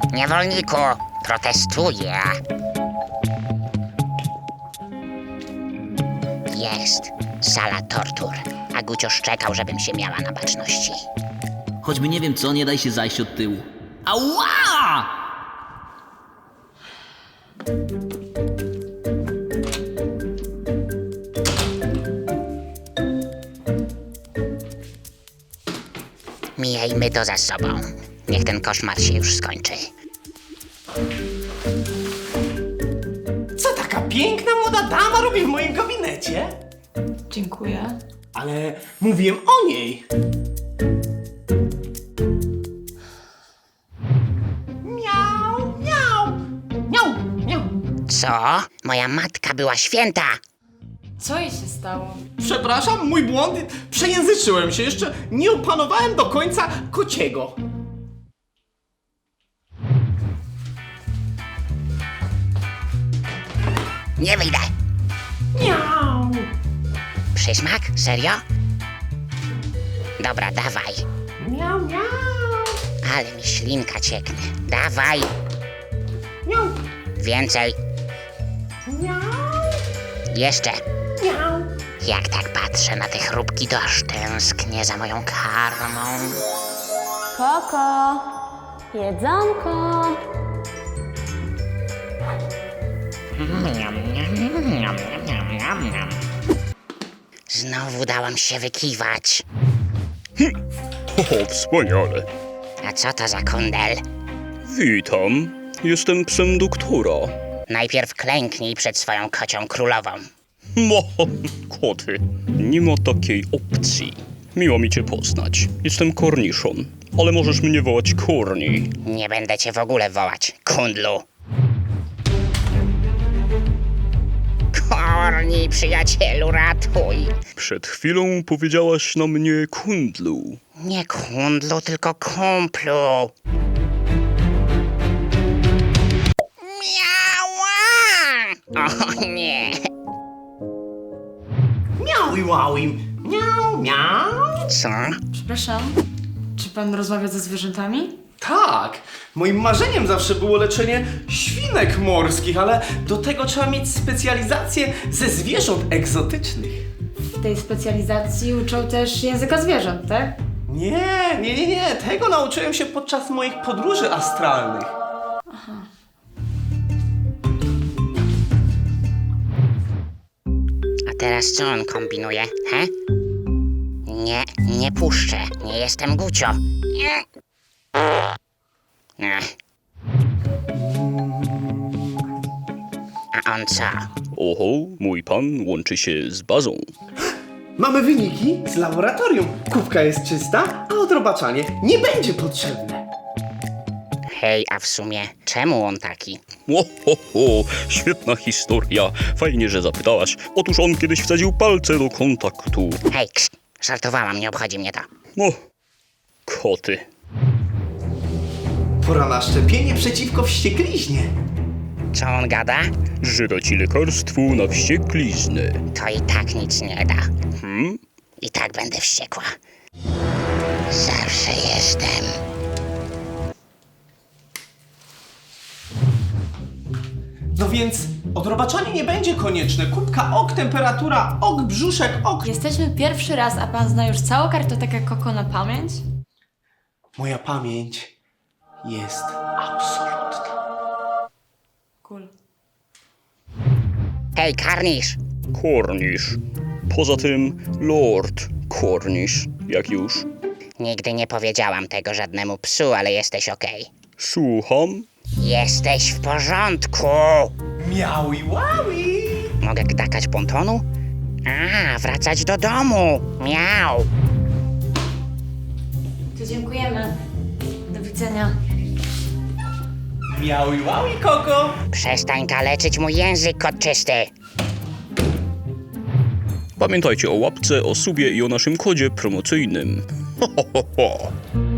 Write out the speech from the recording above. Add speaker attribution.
Speaker 1: Niewolniku, protestuję. Jest sala tortur, a Gucio szczekał, żebym się miała na baczności.
Speaker 2: Choćby nie wiem co, nie daj się zajść od tyłu. Ała!
Speaker 1: Miejmy to za sobą. Niech ten koszmar się już skończy.
Speaker 3: Co taka piękna młoda dama robi w moim gabinecie?
Speaker 4: Dziękuję.
Speaker 3: Ale mówiłem o niej. Miau, miau, miau, miau.
Speaker 1: Co? Moja matka była święta!
Speaker 4: Co jej się stało?
Speaker 3: Przepraszam, mój błąd. Przejęzyczyłem się. Jeszcze nie opanowałem do końca kociego.
Speaker 1: Nie wyjdę!
Speaker 3: Miau.
Speaker 1: Przysmak? Serio? Dobra, dawaj.
Speaker 3: Miau, miau.
Speaker 1: Ale mi ślinka cieknie. Dawaj!
Speaker 3: Miau,
Speaker 1: Więcej!
Speaker 3: miau,
Speaker 1: Jeszcze!
Speaker 3: miau.
Speaker 1: Jak tak patrzę na te chrupki, to aż tęsknię za moją karmą.
Speaker 5: Koko, jedzonko.
Speaker 1: Znowu dałam się wykiwać.
Speaker 6: O, wspaniale.
Speaker 1: A co to za kundel?
Speaker 6: Witam. Jestem psem doktora.
Speaker 1: Najpierw klęknij przed swoją kocią królową.
Speaker 6: Mo, koty. Nie ma takiej opcji. Miło mi cię poznać. Jestem korniszon, ale możesz mnie wołać Korni.
Speaker 1: Nie będę cię w ogóle wołać, kundlu. Korni, przyjacielu, ratuj.
Speaker 6: Przed chwilą powiedziałaś na mnie kundlu.
Speaker 1: Nie kundlu, tylko kumplu. Miała! O nie!
Speaker 3: Miau i łauim. Miau, miau.
Speaker 1: Co?
Speaker 4: Przepraszam, czy pan rozmawia ze zwierzętami?
Speaker 3: Tak, moim marzeniem zawsze było leczenie świnek morskich, ale do tego trzeba mieć specjalizację ze zwierząt egzotycznych.
Speaker 4: W tej specjalizacji uczą też języka zwierząt, tak?
Speaker 3: Nie. Tego nauczyłem się podczas moich podróży astralnych.
Speaker 1: A teraz co on kombinuje, he? Nie puszczę. Nie jestem Gucio. Nie. Ech. A on co?
Speaker 6: Oho, mój pan łączy się z bazą.
Speaker 3: Mamy wyniki z laboratorium. Kubka jest czysta, a odrobaczanie nie będzie potrzebne.
Speaker 1: Hej, a w sumie czemu on taki?
Speaker 6: Ho, świetna historia. Fajnie, że zapytałaś. Otóż on kiedyś wsadził palce do kontaktu.
Speaker 1: Hej, żartowałam, nie obchodzi mnie to.
Speaker 6: No, koty.
Speaker 3: Pora na szczepienie przeciwko wściekliźnie.
Speaker 1: Co on gada?
Speaker 6: Że da ci lekarstwo na wściekliznę.
Speaker 1: To i tak nic nie da.
Speaker 6: Hmm?
Speaker 1: I tak będę wściekła. Zawsze jestem.
Speaker 3: No więc odrobaczanie nie będzie konieczne. Kubka ok, temperatura ok, brzuszek ok.
Speaker 4: Jesteśmy pierwszy raz, a pan zna już całą kartotekę Koko na pamięć?
Speaker 3: Moja pamięć jest absolutna.
Speaker 4: Cool.
Speaker 1: Hej, karnisz!
Speaker 6: Kornisz. Poza tym Lord Kornisz, jak już.
Speaker 1: Nigdy nie powiedziałam tego żadnemu psu, ale jesteś okej.
Speaker 6: Słucham?
Speaker 1: Jesteś w porządku!
Speaker 3: Miaui łaui!
Speaker 1: Mogę gdakać pontonu? A, wracać do domu! Miau!
Speaker 4: To dziękujemy. Do widzenia.
Speaker 3: Miaui łaui, Koko!
Speaker 1: Przestań kaleczyć mój język, kot czysty!
Speaker 6: Pamiętajcie o łapce, o subie i o naszym kodzie promocyjnym. Ho.